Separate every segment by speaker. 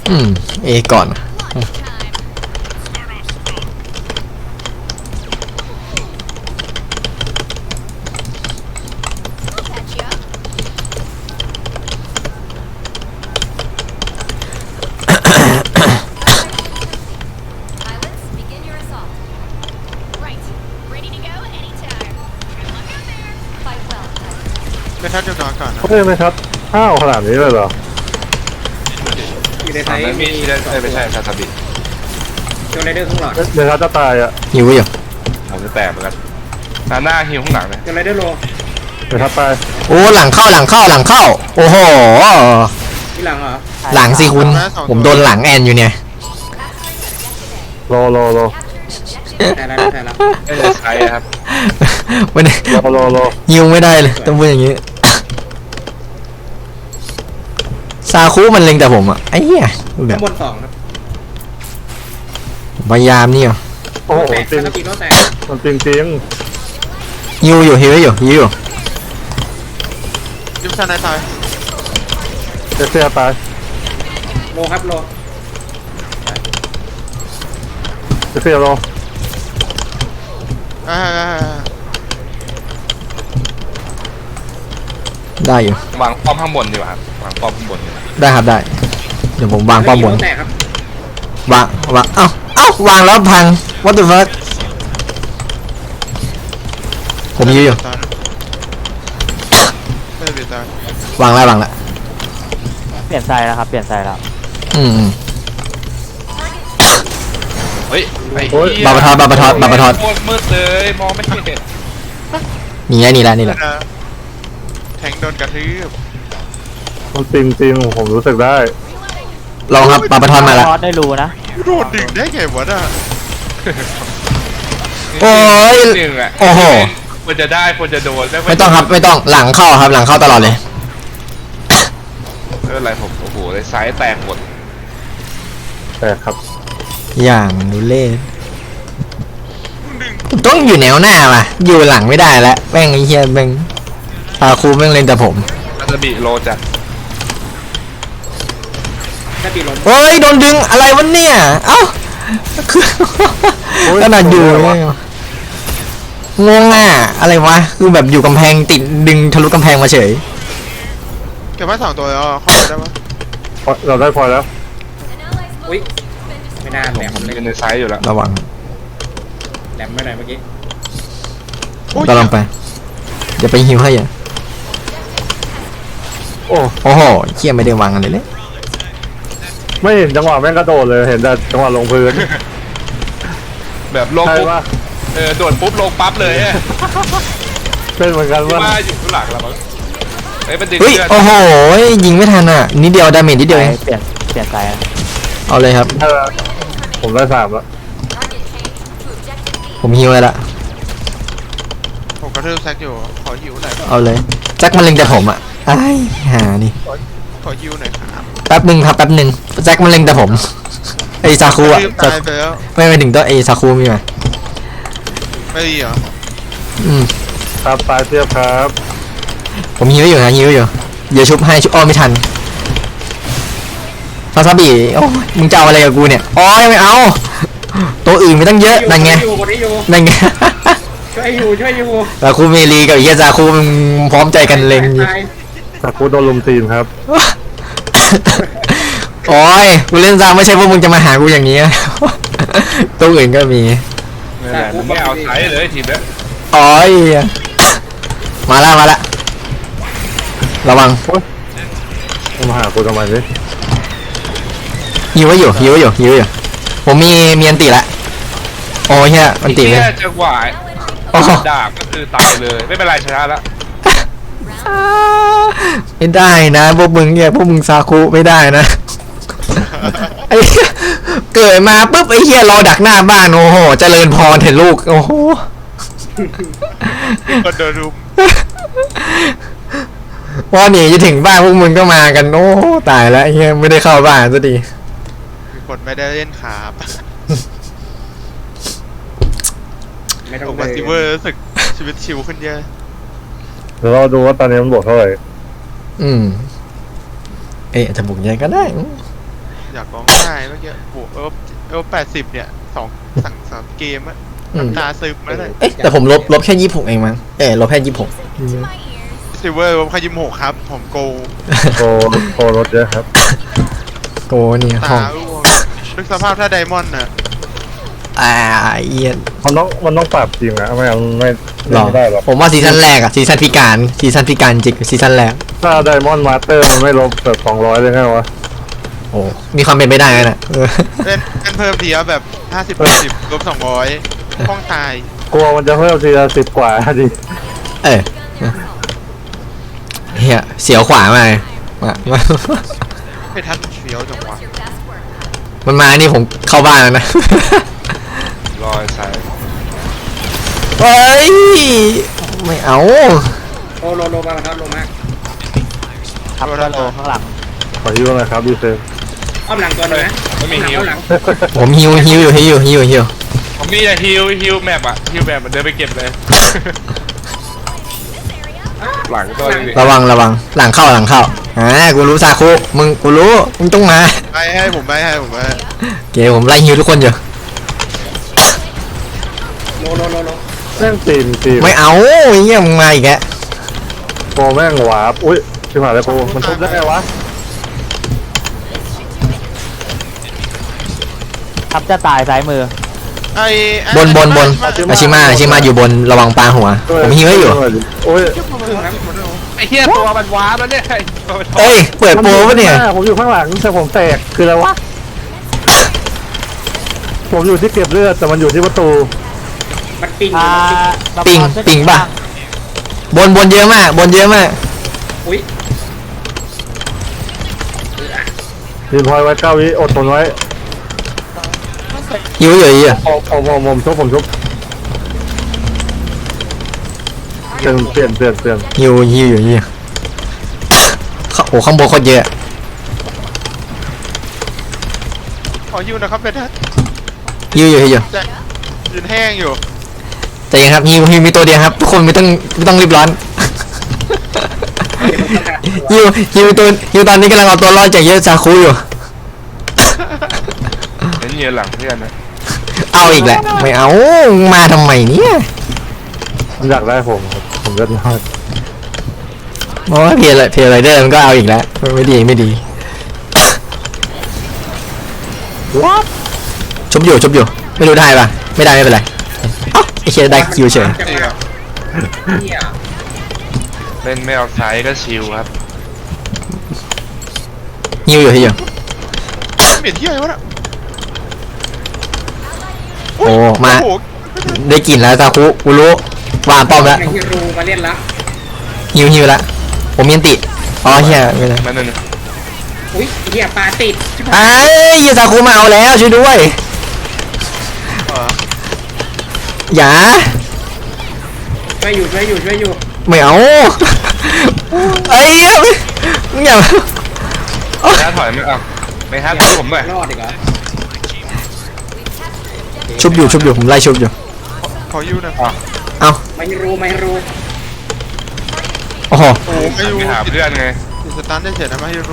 Speaker 1: เอก่อน
Speaker 2: ไม่ทัดจะนอนก่อนนะ
Speaker 3: เฮ้ยไม่ครับอ้าวขนาดนี้เลยเหรอ
Speaker 4: อยู่ในไทย
Speaker 5: มีไม่ใช่ซาซาบิ
Speaker 4: โจไรเดอร์ข้างหลัง
Speaker 3: เดี๋ยวเขาจะตายอ่ะ
Speaker 1: หิวอยู่
Speaker 5: ผมจะแตกเหมือนกันหน้าฮิวข้างหลังเลย
Speaker 4: โจไรเดอร์โล
Speaker 3: เดี๋ยวเขาตาย
Speaker 1: โอ้หลังเข้าโอ้โห
Speaker 4: ที่หลังเหรอ
Speaker 1: หลังสิคุณผมโดนหลังแอนอยู่เนี่ย
Speaker 3: โล
Speaker 4: แต่ละ
Speaker 5: ไม่ได้ใช้ครับ
Speaker 1: วันนี้
Speaker 3: โล
Speaker 1: ยิวไม่ได้เลยต้องพูดอย่างนี้ซาคุมันเล็งแต่ผมอะไอ้เหี้ยแบ
Speaker 4: ข้า
Speaker 1: บ
Speaker 4: งบน2ครับ
Speaker 1: พยายามนี่
Speaker 3: โอ้โห
Speaker 4: แตก
Speaker 3: จริง
Speaker 4: แล้วปีโลแตก
Speaker 3: มันจริง
Speaker 1: ยิวอยู่ฮิวอยู่
Speaker 2: ยิมซันนายตาย
Speaker 3: เสียตาย
Speaker 4: โลครับโล
Speaker 3: เสียโล
Speaker 2: อ่า
Speaker 1: ได้อยู่
Speaker 5: วางป้อมข้างบนดีกว่าครับวางป้อมข้างบนดีกว่า
Speaker 1: ได้ครับได้เดี๋ยวผมวางป้อมบน
Speaker 4: โลแตกครับ
Speaker 1: วางเอ้าวางแล้วพัง what the fuck ผมยิวอยู่
Speaker 2: ตายไม่ได้เบียดตายว
Speaker 1: างแล้ว
Speaker 6: เปลี่ยนไซส์แล้วครับ เปลี่ยนไซส์แล้ว
Speaker 5: เฮ้ยไอ้
Speaker 1: บาปะทอด
Speaker 5: โคตรมืดเลยมองไม่เห็น
Speaker 1: นี่แหละ
Speaker 2: แทงโดนกระทืบ
Speaker 3: มันจริงผมรู้สึกได้
Speaker 1: ลองครับบาปะทอดมาแล้ว
Speaker 6: ทอดได้รู้นะ
Speaker 2: โดนดึงได้ไงวะน่ะ
Speaker 1: โอ้ย
Speaker 5: หนึ่งอ่ะ
Speaker 1: โอ้โห
Speaker 5: ควรจะได้ควรจะโดน
Speaker 1: ไม่ต้องครับไม่ต้องหลังเข้าครับหลังเข้าตลอดเลย
Speaker 5: ไม่เป็นไรผมโอ้โหเลยซ้ายแตกหมด
Speaker 3: แต่ครับ
Speaker 1: อย่างดูเล่ต้องอยู่แนวหน้าว่ะอยู่หลังไม่ได้แล้วแม่งไอ้เหี้ยแม่งตาคูแม่งเล่นแต่ผม
Speaker 5: ซาซาบิโลจัด
Speaker 4: ถ้าปีล้ม
Speaker 1: โอ้ยโดนดึงอะไรวะเนี่ยเอ้าคือขนาดอยู่เนี่ยงงอ่ะอะไรวะคือแบบอยู่กำแพงติดดึงทะลุกำแพงมาเฉย
Speaker 2: เก็บไว้2 ตัวแล้วเข้าไปได้ปะ
Speaker 3: เราได้พอแล้ว
Speaker 4: อุ้ยไม่น่าแหลม
Speaker 5: ผม
Speaker 4: เลย
Speaker 5: ยืนในซ้ายอยู่แล้ว
Speaker 1: ระวัง
Speaker 4: แหลมไม่ไหนเมื่อกี้
Speaker 1: ก็ลองไปอย่าไปหิวให้อย่า
Speaker 3: โอ้
Speaker 1: โอ้โหเชี่ยไม่ได้วางกันเลย
Speaker 3: ไม่เห็นจังหวะแม่งกระโดดเลยเห็นแต่จังหวะลงพื้น
Speaker 5: แบบลง
Speaker 3: ใช่
Speaker 5: ปุ๊บ
Speaker 3: ปะ
Speaker 5: โดดปุ๊บลงปั๊บเลยอะ
Speaker 3: เป็นเหมือนกัน
Speaker 5: ที่
Speaker 3: ว่า
Speaker 5: ว่าอยู่ข้างหลังเราเฮ้ยมันดึง
Speaker 1: เฮ้ย
Speaker 5: เลือด
Speaker 1: โอ้โหยิงไม่ทันอ่ะนิดเดียวดาเมจนิดเดียวเอง
Speaker 6: เปลี่ยนไซส์แล้ว
Speaker 1: เอาเลยครับ
Speaker 3: ผมได้3แล้ว
Speaker 1: ผมฮิวเลยละ
Speaker 2: ผมกระทืบแซกอยู่ขอฮิวหน่อย
Speaker 1: เอาเลยแจ็คมันเล็งแต่ผมอ่ะไอ้หานี่
Speaker 2: ขอฮิวหน่อยครับ
Speaker 1: แป๊บหนึ่งแจ็คมันเล็งแต่ผมไอ้ซาคูอ่ะ
Speaker 2: ตายไปแล้ว
Speaker 1: ไม่ไปถึงตัวไอ้ซาคูมีไหม
Speaker 2: ไม่ดีเหรอ
Speaker 3: ครับตายเทียบครับ
Speaker 1: ผมฮิวอยู่เดี๋ยวชุบให้ชุบอ้อไม่ทันซาซาบิโอ้ยมึงจะเอาอะไรกับกูเนี่ยอ๋อไม่เอาตัวอื่นไม่ต้องเยอะนั่นไง
Speaker 4: อยู่คนนี้อยู่
Speaker 1: นั่นไง
Speaker 4: ช่วยอยู่
Speaker 1: ซาคูเมลีกับไอ้เฮียซาคูมันพร้อมใจกันเล็งอยู่
Speaker 4: ตาย
Speaker 3: แต่กูโดนลุมตีนครับ
Speaker 1: โอ้ยกูเล่นซาไม่ใช่พวกมึงจะมาหากูอย่างนี้ ตัวอื่นก็มี
Speaker 5: ไม่เป็นไรมันไม่เอาซ้ายเลยทีมเนี้ย
Speaker 1: โอ้ยมาละระวัง
Speaker 3: มาหากูทำไมเนี่ย
Speaker 1: ฮิวไว้อยู่ผมมีอันติละโอ้ยเฮียอันติเลย
Speaker 5: แค่จังหวะ
Speaker 1: โอ้โห
Speaker 5: ดาบก็คือตายเลยไม่เป็นไรชนะแล้ว
Speaker 1: ไม่ได้นะพวกมึงเนี่ยพวกมึงซาคุไม่ได้นะ ไอ้เหี้ยเกิดมาปุ๊บไอ้เฮียรอดักหน้าบ้านโอ้โหเจริญพรเห็นลูกโอ้โห
Speaker 2: คนโดนรุม
Speaker 1: พอหนีจะถึงบ้านพวกมึงก็มากันโอ้ตายแล้วไอ้เฮียไม่ได้เข้าบ้านซะดี
Speaker 2: มีคนไม่ได้เล่นขาบ
Speaker 4: ไม่ต้อ
Speaker 2: ผ
Speaker 4: ง
Speaker 2: มว่าซิเวอร์รู้สึกชีวิตชิวขึ้นเยอะ
Speaker 3: เดี๋ยวเราดูว่าตอนนี้มันบวกเท่าไหร่
Speaker 1: เอ๊ะจะบุกยังไงก็ได้
Speaker 2: อยากร้องไห้เมื่อกี้โอ้โห80เนี่ยสั่งเกมอะ
Speaker 1: อืม
Speaker 2: ตาซึมมาเลย
Speaker 1: เอ๊ะแต่ผมลบแค่26เองมั้งลบแค่26
Speaker 2: ซิลเวอร์ผมขยิมหกครับ ผมโก
Speaker 3: โครถเยอะครับ
Speaker 1: โกนี่ห้
Speaker 2: ตา
Speaker 1: อง
Speaker 2: อ้วงนึกสภาพถ้าไดมอนด์น่ะ
Speaker 1: เอียน
Speaker 3: มันต้องปรับจริงนะไม่งั้นไม่
Speaker 1: หรอ
Speaker 3: ไม่ได้หรอก
Speaker 1: ผมว่าซีซั่นแรกอะซีซั่นพิการจริงซีซั่นแรก
Speaker 3: ถ้าไดมอนด์มาสเตอร์มันไม่ลบแบบ200เลยไงวะ
Speaker 1: โอ้มีความเป็นไปได้นะเออ
Speaker 2: เล่นเพิ่มทีละแบบ50 ลบ200ห้องตาย
Speaker 3: กลัวมันจะเพิ่มทีละ10 กว่าดิ
Speaker 1: เฮียเสียวขวามาเลยมา
Speaker 2: ไม่ทันเฟี้ยวจังวะ
Speaker 1: มันมานี่ผมเข้าบ้านแล้วนะ
Speaker 5: รอยสาย
Speaker 1: เฮ้ยไม่เอา
Speaker 4: โอ้โลมาครับโลมาก
Speaker 6: ทับก็โลข้างหลัง
Speaker 3: ขอฮิวหน่อยครับดีเซล
Speaker 4: อ้อมหลังตัวหนึงนะ
Speaker 5: ไม่มีฮิว
Speaker 4: อ้อหลัง
Speaker 1: ผมฮิวอยู่
Speaker 5: ผมมีแต่ฮิวแมปอะฮิวแมปมันเดินไปเก็บเลย หลังตัวนึงดิ
Speaker 1: ระวังหลังเข้ากูรู้ซาคุกูรู้มึงต้องมา
Speaker 2: ไปให้ผมไปให้ผมไป
Speaker 1: เกผมไล่ฮิวทุกคนอยู่
Speaker 4: โล
Speaker 3: แม่งตีน
Speaker 1: ไม่เอาเงี้ยมึงมาอีกแก
Speaker 3: โกแม่งหวาบอุ้ยชิบหายแล้วโกมันทุบได้ไงวะ
Speaker 6: ทับจะตายซ้ายมือ
Speaker 2: ไอ้
Speaker 1: บนอาชิมาอยู่บนระวังปลาหัวผมฮิวให้อยู่
Speaker 3: โอ้ย
Speaker 5: ไอ้เหี้ยตัวมันว้าแล้วเนี่ยไอ้ตัวมัน
Speaker 1: เอ้ยเปิดโปรปะเนี่ย
Speaker 3: ผมอยู่ข้างหลังแต่ผมแตกคืออะไรวะผมอยู่ที่เก็บเลือดแต่มันอยู่ที่ประตู
Speaker 4: มันปิง
Speaker 1: ปิงป่ะบนเยอะมาก
Speaker 4: อุ้ย
Speaker 3: ยืนพอยไว้9 วิอดทนไว้
Speaker 1: ฮิวอยู่
Speaker 3: ผมชุบเปลี่ยน
Speaker 1: ฮิวอยู่โอ้ข้างบนโคตรเยอะ
Speaker 2: ขอฮิวนะครับเป็นทัศ
Speaker 1: ฮิวอยู่
Speaker 2: ยืนแห้งอยู่
Speaker 1: แต่ยังครับฮิวมีตัวเดียวครับทุกคนไม่ต้องรีบร้อนฮิวตอนนี้กำลังเอาตัวรอดจากเยอะซาคุอยู่
Speaker 5: เห็นเงียหลังเพื่อนนะ
Speaker 1: เอาอีกแหละไม่เอามาทำไมเนี่ย
Speaker 3: มันอยากได้ผมครับผมเลือดน้อย
Speaker 1: เพราะว่าเพลไรเดอร์มันก็เอาอีกแล้วไม่ดีชุบอยู่ไม่รู้ได้ปะไม่ได้ไม่เป็นไรเอ้าไอ้เชียได้คิวเฉย
Speaker 2: เสีย
Speaker 4: เนี่ย
Speaker 5: เล่นไม่เอาสายก็ชิลครับ
Speaker 1: ฮิวอยู่
Speaker 2: เหม็นที่อะไรวะน่ะ
Speaker 1: โอ้มา
Speaker 2: โอ้โห
Speaker 1: ได้กลิ่นแล้วซาคุกูรู้วางป้อมแล้ว
Speaker 4: ในฮิรูมาเล่นละ
Speaker 1: ฮิวแล้วผมมีอันติอ๋อเฮียไม่ได้
Speaker 5: นั่นนึง
Speaker 4: อุ้ยเหี้ยปลาติดชิบหาย
Speaker 1: ไอ้ยซาคุมาเอาแล้วช่วยด้วย
Speaker 2: เออ
Speaker 1: อย่า
Speaker 4: ช่วยอยู่
Speaker 1: ไม่เอาไอ้เหี้ยมึงอย่า
Speaker 5: ถ้าถอยไม่เอาไม่ฮัทช่วยผมหน่อย
Speaker 4: รอดอีกเหรอ
Speaker 1: ชุบอยู่ผมไล่ชุบอยู่
Speaker 2: ขอฮิวหนะ
Speaker 1: เอา
Speaker 4: ไม่รู้
Speaker 1: โอ้โห
Speaker 2: โอ้โหไม่รู้
Speaker 5: ไปหาเพื่อนไง
Speaker 2: ติดสตันได้เฉยนะไม่รู้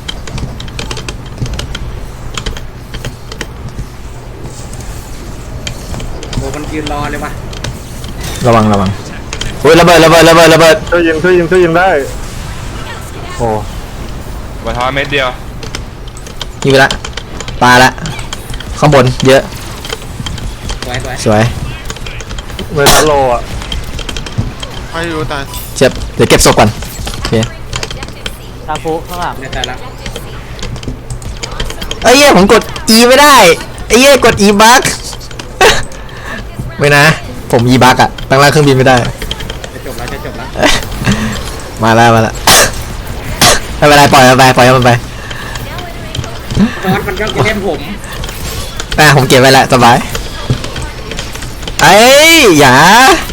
Speaker 4: โอ้มันยืนรอเลยวะ
Speaker 1: ระวังโอ้ยระเบิด
Speaker 3: ช่วยยิงได้โอ้
Speaker 5: บัตรทอเม็ดเดียว
Speaker 1: ยิงไปละปลาละข้างบนเยอะ
Speaker 4: สวย
Speaker 1: สวย
Speaker 3: เวลาโลอ่ะ
Speaker 2: ไม่รู้ตาย
Speaker 1: เจ็บเดี๋ยวเก็บศพก่อนโอเค
Speaker 6: ซาคุข้างหลัง
Speaker 4: ในแต่ละ
Speaker 1: ไอ้เหี้ยผมกด E ไม่ได้ไอ้เหี้ยกด E บั๊ก ไม่นะผม E บั๊กอะตั้งล่างเครื่องบินไม่ได้
Speaker 4: จะจบแล้ว
Speaker 1: มาแล้วไม่เป็นไรปล่อยมันไป
Speaker 4: นอนมันก็จะเล่นผม
Speaker 1: ผมเก็บไว้แหละสบายไอ้ยอย่า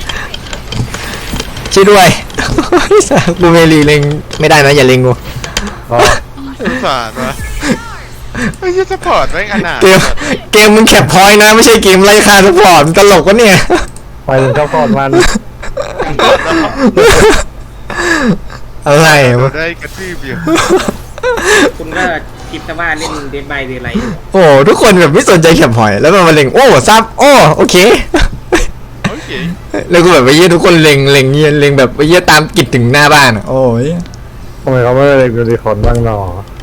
Speaker 1: ช่วยด้วย กูเมลีเล็งไม่ได้นะอย่าเล็งกู
Speaker 3: อ๋อ
Speaker 2: สงสารวะไม่ใช่สปอร์ตไม่ขนาด
Speaker 1: เกมมึงแคปพอยต์นะไม่ใช่เกมไล่ฆ่าสปอร์ตตลกวะเนี่ย
Speaker 3: ไปถึงเข้าก่อนมัน
Speaker 1: อะไร
Speaker 2: เรา
Speaker 1: วะ
Speaker 2: ได้กระทืบอยู่
Speaker 4: คุณก็คิดแต่ว่าเล่นเดนบายเดนไลท์อยู่
Speaker 1: โอ้ทุกคนแบบไม่สนใจแคปหอยแล้วมันมาเล็งโอ้ซับโอ้โอเค
Speaker 2: โอเค
Speaker 1: แล้วก็แบบไปเยี่ยทุกคนเล็งเงี้ยเล็งแบบไปเยี่ยตามกิจถึงหน้าบ้านอะโอ้ย
Speaker 3: ทำไมเขาไม่เล่นยูนิคอร์นบ้างหนอ